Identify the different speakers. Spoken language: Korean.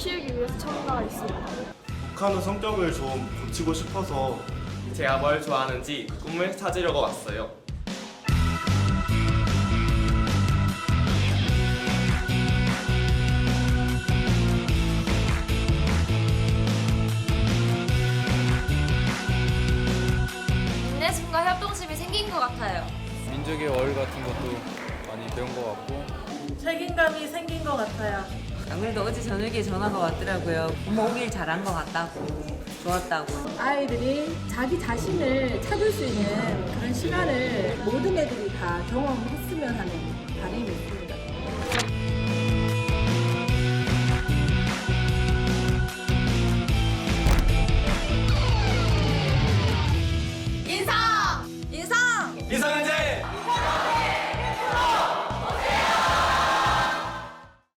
Speaker 1: 키우기 위해서 참가했습니다.
Speaker 2: 북한의 성격을 좀 고치고 싶어서
Speaker 3: 제가 뭘 좋아하는지 꿈을 찾으려고 왔어요.
Speaker 4: 인내심과 협동심이 생긴 것 같아요.
Speaker 5: 민족의 어휘 같은 것도 많이 배운 것 같고
Speaker 6: 책임감이 생긴 것 같아요.
Speaker 7: 아무래도 어제 저녁에 전화가 왔더라고요. 엄마 오길 잘한 것 같다고, 좋았다고.
Speaker 8: 아이들이 자기 자신을 찾을 수 있는 그런 시간을 모든 애들이 다 경험했으면 하는 바람이 있어요.